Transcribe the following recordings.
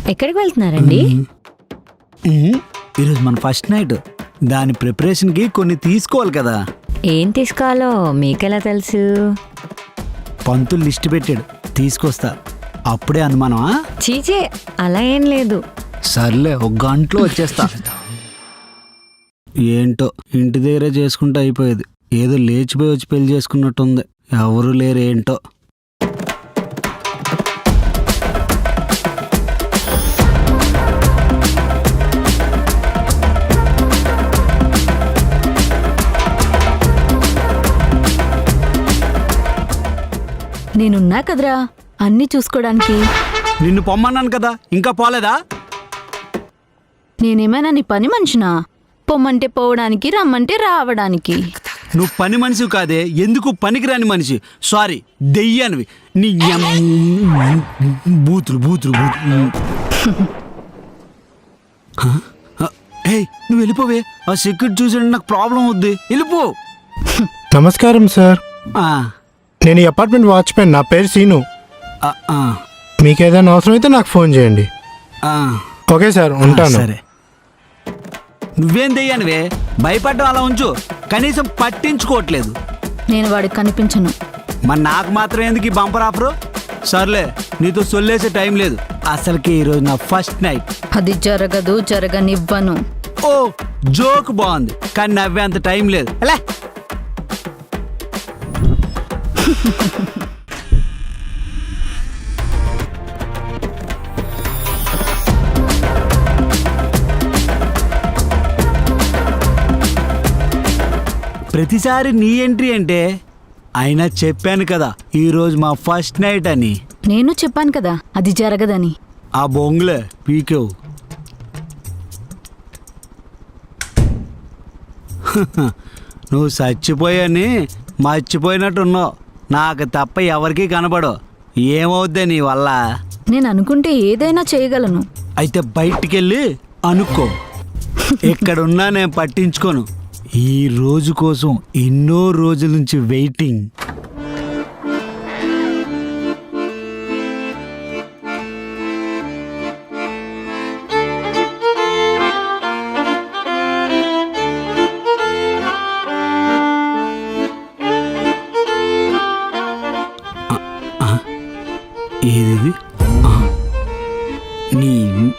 ఎక్కడికి వెళ్తున్నారండి? ఈరోజు మన ఫస్ట్ నైట్. దాని ప్రిపరేషన్కి కొన్ని తీసుకోవాలి కదా. ఏం తీసుకోవాలో మీకెలా తెలుసు? పంతులు లిస్ట్ పెట్టాడు, తీసుకొస్తా. అప్పుడే అనుమానమా? చీచే, అలా ఏం లేదు. సర్లే, ఒక గంటలో వచ్చేస్తా. ఏంటో ఇంటి దగ్గరే చేసుకుంటే అయిపోయేది. ఏదో లేచిపోయి వచ్చి పెళ్లి చేసుకున్నట్టుంది. ఎవరు లేరు ఏంటో. నేనున్నా కదరా అన్నీ చూసుకోవడానికి. నిన్ను పొమ్మన్నాను కదా, ఇంకా పోలేదా? నేనేమైనా నీ పని మనిషినా? పొమ్మంటే పోవడానికి, రమ్మంటే రావడానికి. నువ్వు పని మనిషి కాదే, ఎందుకు పనికిరాని మనిషి. సారీ, దెయ్యానివి. నీ బూతులు బూతులు బూతులు. ఏయ్, నువ్వు వెళ్ళిపోవే. ఆ సెక్యూరిటీ చూసాడు, నాకు ప్రాబ్లం అవుద్ది. వెళ్ళిపో. నమస్కారం సార్, ఆ, నేను ఈ అపార్ట్మెంట్ వాచ్మెన్. నా పేరు సీను. ఆ, ఆ, మీకు ఏదైనా అవసరం అయితే నాకు ఫోన్ చేయండి. ఆ. ఓకే సార్, ఉంటాను. సరే. నువ్వేం దెయ్యానివే, భయపడ్డం అలా ఉంచు. కనీసం పట్టించుకోవట్లేదు. నేను వాడికి కనిపించను. మరి నాకు మాత్రం ఎందుకు ఈ బంపర్ ఆఫరు? సర్లే, నీతో సొల్లేసే టైం లేదు. అసలుకి ఈరోజు నా ఫస్ట్ నైట్. అది జరగదు, జరగనివ్వను. ఓ, జోక్ బాగుంది, కానీ నవ్వేంత టైం లేదు. ఎలా? ప్రతిసారి నీ ఎంట్రీ అంటే. అయినా చెప్పాను కదా ఈరోజు మా ఫస్ట్ నైట్ అని. నేను చెప్పాను కదా అది జరగదని. ఆ బొంగులే పీకేవు. నువ్వు చచ్చిపోయాని మర్చిపోయినట్టున్నావు. నాకు తప్ప ఎవరికీ కనబడవు. ఏమవుద్దే నీ వల్ల? నేను అనుకుంటే ఏదైనా చేయగలను. అయితే బయటికెళ్ళి అనుకో. ఎక్కడున్నా నేను పట్టించుకోను. ఈ రోజు కోసం ఎన్నో రోజుల నుంచి వెయిటింగ్. ఏది నీ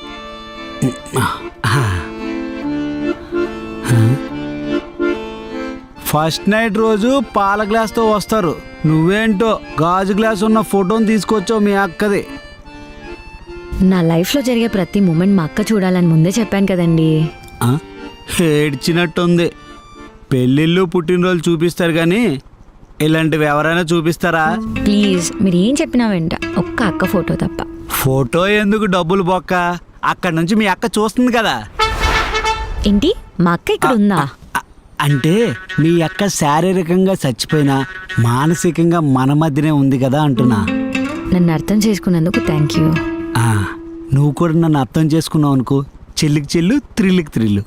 ఫస్ట్ నైట్ రోజు పాల గ్లాస్తో వస్తారు. నువ్వేంటో గాజు గ్లాస్ ఉన్న ఫోటోని తీసుకొచ్చావు మీ అక్కది. నా లైఫ్లో జరిగే ప్రతి మూమెంట్ మా అక్క చూడాలని ముందే చెప్పాను కదండి. ఏడ్చినట్టుంది. పెళ్ళిళ్ళు పుట్టినరోజు చూపిస్తారు కానీ ఇలాంటివి ఎవరైనా చూపిస్తారా? ప్లీజ్, మీరు ఏం చెప్పినా వెంట ఒక్క అక్క ఫోటో తప్ప. ఫోటో ఎందుకు, డబ్బులు బొక్క. అక్కడి నుంచి మీ అక్క చూస్తుంది కదా. ఏంటి, మా అక్క ఇక్కడ ఉందా? అంటే మీ అక్క శారీరకంగా చచ్చిపోయినా మానసికంగా మన మధ్యనే ఉంది కదా అంటున్నా. నన్ను అర్థం చేసుకున్నందుకు థ్యాంక్ యూ. నువ్వు కూడా నన్ను అర్థం చేసుకున్నావు అనుకో, చెల్లికి చెల్లు, త్రిల్లుకి త్రిల్లు.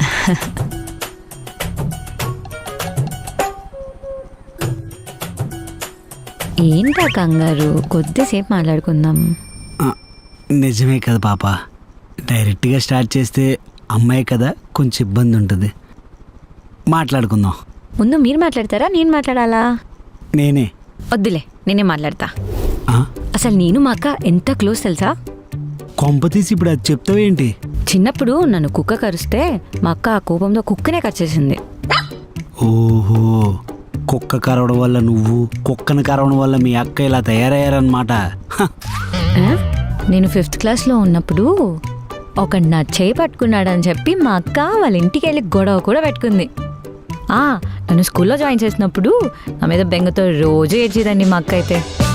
ఏంటా కంగారు, కొద్దిసేపు మాట్లాడుకుందాం. నిజమే కదా పాప. డైరెక్ట్గా స్టార్ట్ చేస్తే అమ్మాయి కదా, కొంచెం ఇబ్బంది ఉంటుంది. మాట్లాడుకుందాం. ముందు మీరు మాట్లాడతారా, నేను మాట్లాడాలా? నేనే. వద్దులే, నేనే మాట్లాడతా. ఆ? అసలు నేను మా అక్క ఎంత క్లోజ్ తెలుసా? కొంపతీసి ఇప్పుడు అది చెప్తావేంటి? చిన్నప్పుడు నన్ను కుక్క కరిస్తే మా అక్క ఆ కోపంతో కుక్కనే కరిచేసింది. ఓహో, కుక్క కరవడం వల్ల నువ్వు, కుక్కను కరవడం వల్ల మీ అక్క ఇలా తయారయ్యారన్నమాట. నేను 5th క్లాస్లో ఉన్నప్పుడు ఒకడు నా చేయి పట్టుకున్నాడని చెప్పి మా అక్క వాళ్ళ ఇంటికి వెళ్ళి గొడవ కూడా పెట్టుకుంది. నన్ను స్కూల్లో జాయిన్ చేసినప్పుడు నా మీద బెంగతో రోజు ఏడ్చేదండి మా అక్క అయితే.